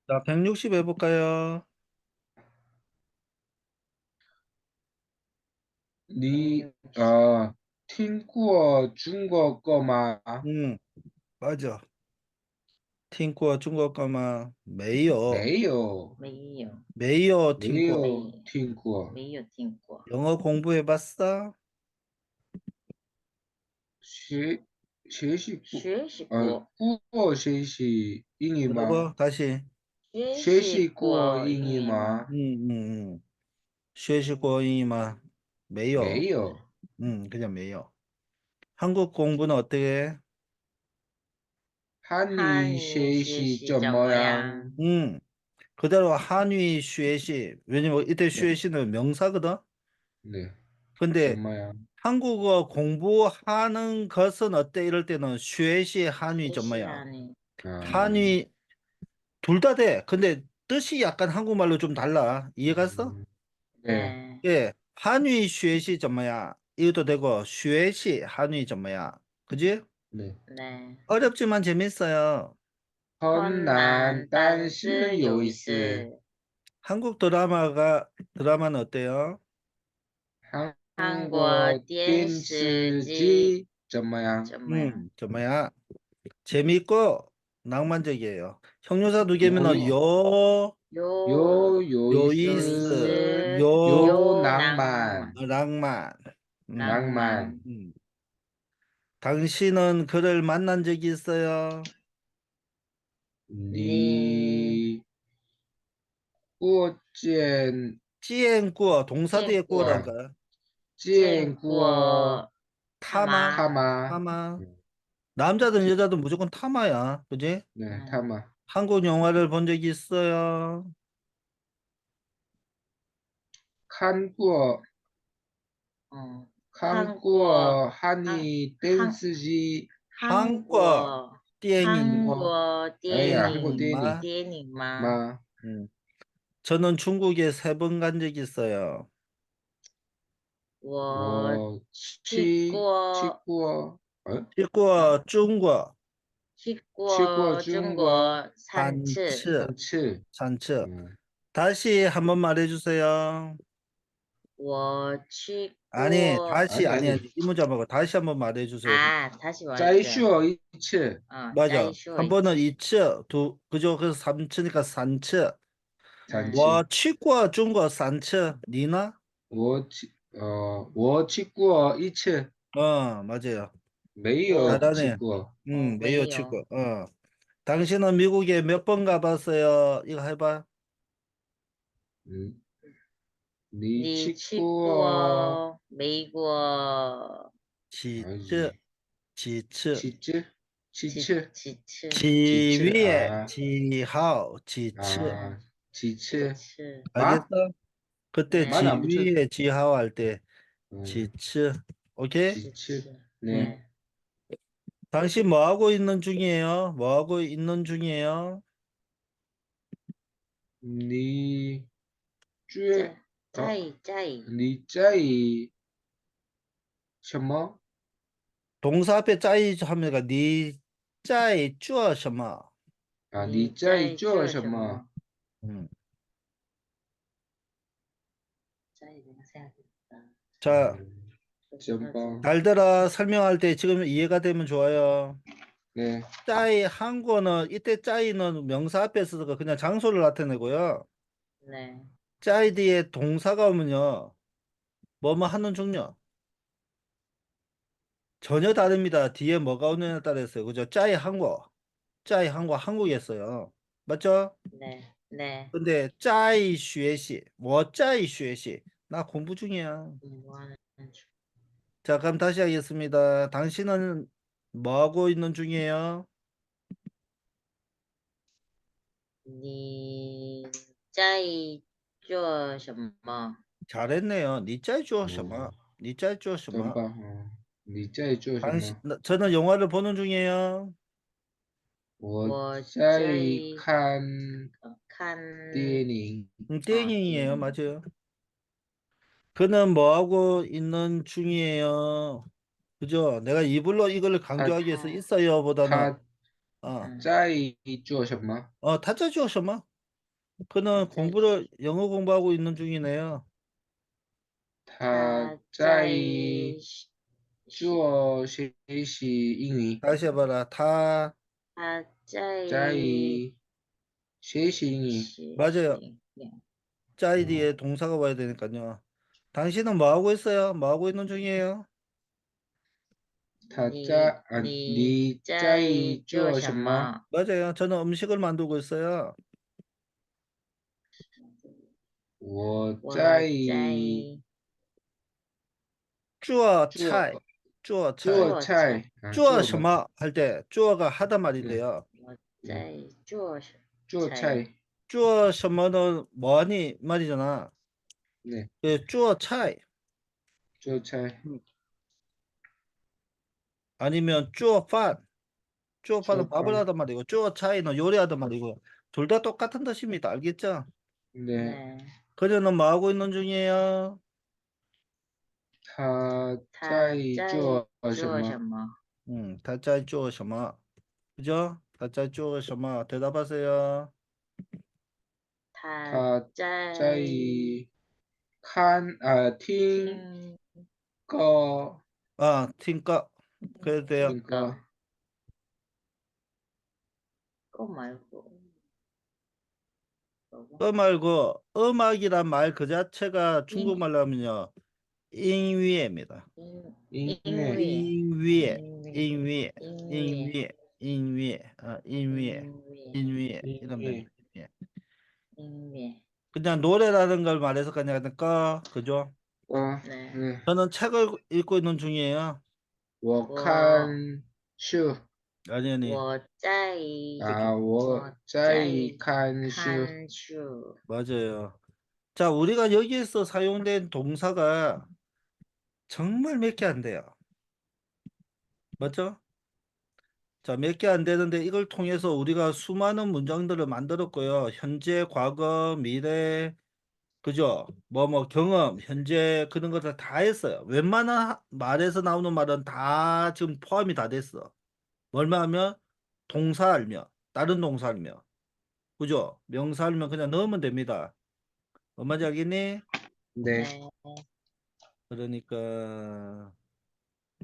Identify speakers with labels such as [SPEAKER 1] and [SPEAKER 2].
[SPEAKER 1] 자, 160 해볼까요?
[SPEAKER 2] 你听过中国歌吗？
[SPEAKER 1] 응, 맞아. 听过中国歌吗？没有，
[SPEAKER 2] 没有，
[SPEAKER 3] 没有，
[SPEAKER 1] 没有听过。
[SPEAKER 2] 没有
[SPEAKER 3] 没
[SPEAKER 2] 听过。
[SPEAKER 3] 没有听过。
[SPEAKER 1] 영어 공부해봤어?
[SPEAKER 2] 学学习过，
[SPEAKER 3] 学习过，
[SPEAKER 2] 过学习英语吗？
[SPEAKER 1] 뭐라고? 다시.
[SPEAKER 3] 学
[SPEAKER 2] 学习
[SPEAKER 3] 习
[SPEAKER 2] 过英
[SPEAKER 3] 过英
[SPEAKER 2] 语吗？
[SPEAKER 3] 语吗？
[SPEAKER 1] 学习过英语吗? 没有.
[SPEAKER 2] 没有。
[SPEAKER 1] 그냥 没有. 한국 공부는 어떻게 해?
[SPEAKER 2] 汉语
[SPEAKER 3] 汉语
[SPEAKER 2] 学习怎
[SPEAKER 3] 学习怎
[SPEAKER 2] 么样？
[SPEAKER 3] 么样？
[SPEAKER 1] 그대로 한위 쉐시. 왜냐면 이때
[SPEAKER 2] 네,
[SPEAKER 1] 쉐시는 명사거든?
[SPEAKER 2] 네, 怎
[SPEAKER 1] 근데
[SPEAKER 2] 么样？
[SPEAKER 1] 한국어 공부하는 것은 어때? 이럴 때는 쉐시 한위
[SPEAKER 3] 学习
[SPEAKER 1] 전마야.
[SPEAKER 3] 汉语。
[SPEAKER 2] 아,
[SPEAKER 1] 한위 둘 다 돼. 근데 뜻이 약간 한국말로 좀 달라. 이해 갔어?
[SPEAKER 2] 음, 네,
[SPEAKER 3] 네,
[SPEAKER 1] 예. 한위 쉐시 전마야. 이것도 되고 쉐시 한위 전마야. 그지?
[SPEAKER 2] 네.
[SPEAKER 3] 네.
[SPEAKER 1] 어렵지만 재밌어요.
[SPEAKER 2] 很
[SPEAKER 3] 困难
[SPEAKER 2] 难，但
[SPEAKER 3] 但
[SPEAKER 2] 是
[SPEAKER 3] 是有意
[SPEAKER 2] 有意思。
[SPEAKER 3] 思。
[SPEAKER 1] 한국 드라마는 어때요?
[SPEAKER 3] 韩
[SPEAKER 2] 韩国
[SPEAKER 3] 国电
[SPEAKER 2] 电
[SPEAKER 3] 视
[SPEAKER 2] 视
[SPEAKER 3] 剧
[SPEAKER 2] 剧怎么样？
[SPEAKER 3] 怎么样？
[SPEAKER 1] 전마야. 재밌고 낭만적이에요. 형용사 두 개면
[SPEAKER 2] 有
[SPEAKER 3] 有
[SPEAKER 2] 有意
[SPEAKER 3] 有意
[SPEAKER 2] 思，
[SPEAKER 3] 思，
[SPEAKER 1] 요,
[SPEAKER 2] 有
[SPEAKER 3] 有
[SPEAKER 2] 浪
[SPEAKER 3] 浪漫，
[SPEAKER 2] 漫，
[SPEAKER 1] 낭만. 음,
[SPEAKER 3] 浪
[SPEAKER 2] 浪漫。
[SPEAKER 3] 漫。
[SPEAKER 1] 음. 당신은 그를 만난 적이 있어요?
[SPEAKER 3] 你
[SPEAKER 2] 你过见
[SPEAKER 1] 찌앤꾸어, 동사
[SPEAKER 3] 见
[SPEAKER 1] 뒤에
[SPEAKER 3] 过
[SPEAKER 1] 꾸어라니까.
[SPEAKER 2] 见
[SPEAKER 3] 见
[SPEAKER 2] 过
[SPEAKER 3] 过他
[SPEAKER 1] 타마,
[SPEAKER 3] 吗？
[SPEAKER 2] 他吗？
[SPEAKER 1] 타마.
[SPEAKER 2] 嗯
[SPEAKER 1] 남자든
[SPEAKER 2] 见
[SPEAKER 1] 여자든 무조건 타마야. 그지?
[SPEAKER 2] 对，他
[SPEAKER 3] 嗯，
[SPEAKER 2] 吗？
[SPEAKER 1] 한국 영화를 본 적이 있어요?
[SPEAKER 2] 看过
[SPEAKER 3] 嗯，
[SPEAKER 2] 看
[SPEAKER 3] 韩国
[SPEAKER 2] 过汉
[SPEAKER 3] 韩
[SPEAKER 2] 语电
[SPEAKER 3] 韩
[SPEAKER 2] 视剧，
[SPEAKER 3] 韩
[SPEAKER 1] 한국
[SPEAKER 3] 国韩
[SPEAKER 1] 띠앵이
[SPEAKER 3] 国
[SPEAKER 2] 哎呀，韩国
[SPEAKER 3] 电影
[SPEAKER 2] 电影
[SPEAKER 1] 마.
[SPEAKER 3] 电影吗？
[SPEAKER 2] 吗？
[SPEAKER 1] 음. 저는 중국에 3번 간 적이 있어요.
[SPEAKER 3] 我
[SPEAKER 2] 我
[SPEAKER 3] 去
[SPEAKER 2] 去
[SPEAKER 3] 过
[SPEAKER 2] 过，
[SPEAKER 3] 嗯
[SPEAKER 1] 찍고 중국
[SPEAKER 3] 去
[SPEAKER 2] 去过
[SPEAKER 3] 过中
[SPEAKER 2] 中国
[SPEAKER 3] 国3次。
[SPEAKER 1] 산츠
[SPEAKER 2] 3次，
[SPEAKER 1] 산츠.
[SPEAKER 2] 嗯，
[SPEAKER 1] 다시 한번 말해주세요.
[SPEAKER 3] 我去
[SPEAKER 1] 아니
[SPEAKER 3] 过
[SPEAKER 1] 다시
[SPEAKER 2] 哎呀，
[SPEAKER 1] 아니 이 문제 말고 다시 한번 말해주세요.
[SPEAKER 3] 아, 다시
[SPEAKER 2] 再
[SPEAKER 3] 말해줘요.
[SPEAKER 2] 说一次，
[SPEAKER 1] 맞아.
[SPEAKER 3] 再说一
[SPEAKER 1] 한 번은
[SPEAKER 3] 次。
[SPEAKER 1] 2츠 두 그죠? 그래서 3츠니까 산츠.
[SPEAKER 2] 三
[SPEAKER 3] 음,
[SPEAKER 2] 次，
[SPEAKER 1] 와去过 중국 산츠. 니나?
[SPEAKER 2] 我去过一次，
[SPEAKER 1] 맞아요.
[SPEAKER 2] 没有去
[SPEAKER 1] 잘하네.
[SPEAKER 2] 过，
[SPEAKER 1] 매우
[SPEAKER 3] 没有。
[SPEAKER 1] 치고. 당신은 미국에 몇 번 가봤어요? 이거 해봐.
[SPEAKER 2] 嗯，你
[SPEAKER 3] 你
[SPEAKER 2] 去
[SPEAKER 3] 去
[SPEAKER 2] 过
[SPEAKER 3] 过美国
[SPEAKER 2] 哪
[SPEAKER 1] 지츠,
[SPEAKER 2] 里？
[SPEAKER 1] 지츠,
[SPEAKER 2] 几次？几
[SPEAKER 3] 几
[SPEAKER 2] 次？
[SPEAKER 3] 几次？
[SPEAKER 2] 几次
[SPEAKER 1] 지위에,
[SPEAKER 2] 啊
[SPEAKER 1] 지하오, 지츠.
[SPEAKER 2] 啊？几
[SPEAKER 3] 几
[SPEAKER 2] 次？
[SPEAKER 3] 次？
[SPEAKER 1] 알겠어?
[SPEAKER 2] 啊？
[SPEAKER 1] 그때
[SPEAKER 2] 말 안
[SPEAKER 3] 네,
[SPEAKER 2] 붙여.
[SPEAKER 1] 지위에, 지하오 할 때,
[SPEAKER 2] 음,
[SPEAKER 1] 지츠. 오케이?
[SPEAKER 2] 几次？
[SPEAKER 3] 지츠.
[SPEAKER 1] 음.
[SPEAKER 2] 네.
[SPEAKER 3] 네.
[SPEAKER 1] 당신 뭐 하고 있는 중이에요? 뭐 하고 있는 중이에요?
[SPEAKER 2] 你最
[SPEAKER 3] 在
[SPEAKER 2] 哦，
[SPEAKER 3] 在
[SPEAKER 2] 你在什么？
[SPEAKER 1] 동사 앞에 짜이 하면 니 짜이 쭈어 什么?
[SPEAKER 2] 啊，你
[SPEAKER 3] 你
[SPEAKER 2] 在
[SPEAKER 3] 在做
[SPEAKER 2] 做什么？
[SPEAKER 3] 什么？
[SPEAKER 1] 음.
[SPEAKER 3] 在等下子的
[SPEAKER 1] 자,
[SPEAKER 2] 真棒。
[SPEAKER 1] 잘 들어. 설명할 때 지금 이해가 되면 좋아요.
[SPEAKER 2] 네,
[SPEAKER 1] 짜이 한국어는 이때 짜이는 명사 앞에 서서 그냥 장소를 나타내고요.
[SPEAKER 3] 네.
[SPEAKER 1] 짜이 뒤에 동사가 오면요. 뭐뭐 하는 종류. 전혀 다릅니다. 뒤에 뭐가 오느냐에 따라서요. 그죠? 짜이 한국어 한국이었어요. 맞죠?
[SPEAKER 3] 네. 네.
[SPEAKER 1] 근데 짜이 学习, 뭐 짜이 学习. 나 공부 중이야.
[SPEAKER 3] 뭐 하는 중?
[SPEAKER 1] 자, 그럼 다시 하겠습니다. 당신은 뭐 하고 있는 중이에요?
[SPEAKER 3] 你在做什么？
[SPEAKER 1] 잘했네요. 니 짜이 주어 什么?
[SPEAKER 2] 哦，
[SPEAKER 1] 니 짜이 주어 什么?
[SPEAKER 2] 真棒。哦，你在做什
[SPEAKER 1] 당신,
[SPEAKER 2] 么？
[SPEAKER 1] 저는 영화를 보는 중이에요.
[SPEAKER 2] 我
[SPEAKER 3] 我
[SPEAKER 2] 在
[SPEAKER 3] 在
[SPEAKER 2] 看
[SPEAKER 3] 看
[SPEAKER 2] 电影。
[SPEAKER 1] 땡이에요.
[SPEAKER 3] 电影。
[SPEAKER 1] 맞아요. 그는 뭐 하고 있는 중이에요. 그죠? 내가 이불로 이걸
[SPEAKER 2] 他
[SPEAKER 1] 강조하기 위해서
[SPEAKER 3] 他
[SPEAKER 1] 있어요 보다는
[SPEAKER 2] 他
[SPEAKER 1] 어,
[SPEAKER 3] 嗯
[SPEAKER 2] 在做什么？
[SPEAKER 1] 타짜 주어 什么? 그는 영어 공부하고 있는 중이네요.
[SPEAKER 2] 他在做学习英语，
[SPEAKER 1] 다시 해봐라. 다
[SPEAKER 3] 他在
[SPEAKER 2] 在学习英语。
[SPEAKER 1] 맞아요.
[SPEAKER 3] 学习
[SPEAKER 1] 짜이 뒤에 동사가 와야 되니까요. 당신은 뭐 하고 있어요? 뭐 하고 있는 중이에요?
[SPEAKER 2] 他
[SPEAKER 3] 你
[SPEAKER 2] 在
[SPEAKER 3] 你
[SPEAKER 2] 你在
[SPEAKER 3] 做什
[SPEAKER 2] 做什么？
[SPEAKER 3] 么？
[SPEAKER 1] 맞아요. 저는 음식을 만들고 있어요.
[SPEAKER 2] 我
[SPEAKER 3] 我
[SPEAKER 2] 在
[SPEAKER 3] 在
[SPEAKER 1] 做
[SPEAKER 2] 做
[SPEAKER 1] 菜做菜
[SPEAKER 2] 做菜啊，
[SPEAKER 1] 做
[SPEAKER 2] 做
[SPEAKER 1] 什么할 때做가 하다 말이
[SPEAKER 2] 네.
[SPEAKER 1] 돼요.
[SPEAKER 3] 我在做什
[SPEAKER 2] 做菜，
[SPEAKER 1] 做什么는 뭐하니 말이잖아.
[SPEAKER 2] 네,
[SPEAKER 1] 做菜
[SPEAKER 2] 做菜，
[SPEAKER 1] 아니면 做饭 做饭은 밥을
[SPEAKER 2] 做饭，
[SPEAKER 1] 하단 말이고 做菜는 요리하단 말이고 둘 다 똑같은 뜻입니다. 알겠죠?
[SPEAKER 2] 네,
[SPEAKER 3] 네.
[SPEAKER 1] 그녀는 뭐 하고 있는 중이에요?
[SPEAKER 2] 他
[SPEAKER 3] 他
[SPEAKER 2] 在
[SPEAKER 3] 在
[SPEAKER 2] 做什
[SPEAKER 3] 做什
[SPEAKER 2] 么？
[SPEAKER 3] 么？
[SPEAKER 1] 다在做什么 그죠? 다在做什么 대답하세요.
[SPEAKER 3] 他
[SPEAKER 2] 他
[SPEAKER 3] 在
[SPEAKER 2] 在听
[SPEAKER 3] 听
[SPEAKER 2] 歌，
[SPEAKER 1] 아, 팀과 그래도 돼요.
[SPEAKER 2] 听歌，
[SPEAKER 3] 거 말고
[SPEAKER 1] 그 말고 음악이란 말 그 자체가 중국말로 하면요. 인위입니다.
[SPEAKER 2] 音乐，
[SPEAKER 1] 인위에,
[SPEAKER 3] 인위
[SPEAKER 1] 인위에, 인위에, 인위에, 인위에, 인위에
[SPEAKER 2] 音
[SPEAKER 1] 이러면
[SPEAKER 2] 乐，
[SPEAKER 1] 됩니다. 예.
[SPEAKER 3] 인위
[SPEAKER 1] 그냥 노래라는 걸 말해서 그냥 그죠?
[SPEAKER 2] 歌，
[SPEAKER 3] 네.
[SPEAKER 2] 对，
[SPEAKER 1] 저는 책을 읽고 있는 중이에요.
[SPEAKER 2] 我看书
[SPEAKER 1] 아니
[SPEAKER 3] 我在
[SPEAKER 2] 啊，我在看书，
[SPEAKER 3] 看书
[SPEAKER 1] 맞아요. 자, 우리가 여기에서 사용된 동사가 정말 몇 개 안 돼요. 맞죠? 자, 몇 개 안 되는데 이걸 통해서 우리가 수많은 문장들을 만들었고요. 현재, 과거, 미래, 그죠? 경험, 현재 그런 것들 다 했어요. 웬만한 말에서 나오는 말은 다 지금 포함이 다 됐어. 뭘만 하면 동사 알면, 다른 동사 알면, 그죠? 명사 알면 그냥 넣으면 됩니다. 뭔 말인지 알겠니?
[SPEAKER 2] 네.
[SPEAKER 3] 네.
[SPEAKER 1] 그러니까